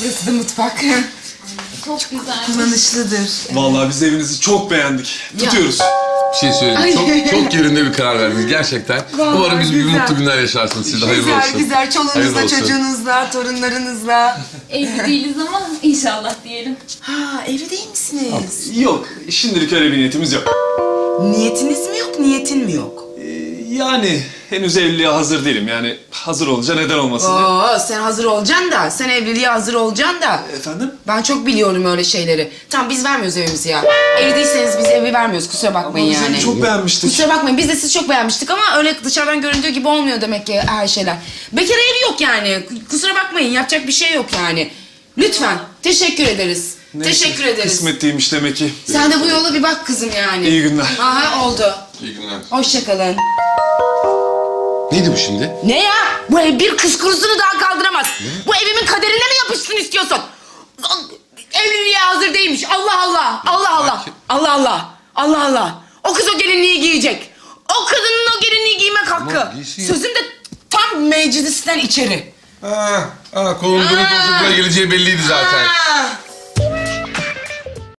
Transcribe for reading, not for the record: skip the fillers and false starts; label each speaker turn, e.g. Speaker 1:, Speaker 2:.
Speaker 1: Burası da mutfak.
Speaker 2: Çok güzel.
Speaker 1: Kullanışlıdır.
Speaker 3: Vallahi biz evinizi çok beğendik. Tutuyoruz.
Speaker 4: Bir şey söyleyeyim. Çok yerinde bir karar verdiniz gerçekten.
Speaker 1: Vallahi
Speaker 4: Umarım biz bir
Speaker 1: güzel.
Speaker 4: mutlu günler yaşarsınız. Siz de hayırlı
Speaker 1: Güzel
Speaker 4: olsun.
Speaker 1: güzel.
Speaker 4: Hayırlı
Speaker 1: Çoluğunuzla,
Speaker 4: olsun.
Speaker 1: çocuğunuzla, torunlarınızla.
Speaker 2: Evli değiliz ama inşallah diyelim.
Speaker 1: Ha, evli değil misiniz?
Speaker 3: Yok, şimdilik öyle bir niyetimiz yok.
Speaker 1: Niyetiniz mi yok, niyetin mi yok?
Speaker 3: Yani henüz evliliğe hazır değilim. Yani hazır olunca neden olmasın diye.
Speaker 1: Oo, sen hazır olacaksın da, sen evliliğe hazır olacaksın da.
Speaker 3: Efendim?
Speaker 1: Ben çok biliyorum öyle şeyleri. Tamam, biz vermiyoruz evimizi ya. Evli değilseniz biz evi vermiyoruz, kusura bakmayın
Speaker 3: Ama biz
Speaker 1: yani.
Speaker 3: evi çok beğenmiştik.
Speaker 1: Kusura bakmayın, biz de sizi çok beğenmiştik ama öyle dışarıdan göründüğü gibi olmuyor demek ki her şeyler. Bekar evi yok yani, kusura bakmayın, yapacak bir şey yok yani. Lütfen, teşekkür ederiz.
Speaker 3: Neyse,
Speaker 1: Teşekkür ederiz.
Speaker 3: Kısmet değilmiş demek ki.
Speaker 1: Sen de bu yola bir bak kızım yani.
Speaker 3: İyi günler.
Speaker 1: Aha, oldu.
Speaker 4: İyi günler.
Speaker 1: Hoşça kalın.
Speaker 4: Neydi bu şimdi?
Speaker 1: Ne ya? Bu ev bir kız kurusunu daha kaldıramaz. Bu evimin kaderine mi yapışsın istiyorsun? Evliliğe hazır değilmiş. Allah Allah. Allah Allah.
Speaker 4: Sakin.
Speaker 1: Allah Allah. Allah Allah. O kız o gelinliği giyecek. O kadının o gelinliği giymek hakkı.
Speaker 4: Tamam, giysin ya.
Speaker 1: Sözüm de tam meclisten içeri.
Speaker 4: Kolun buraya geleceği belliydi zaten.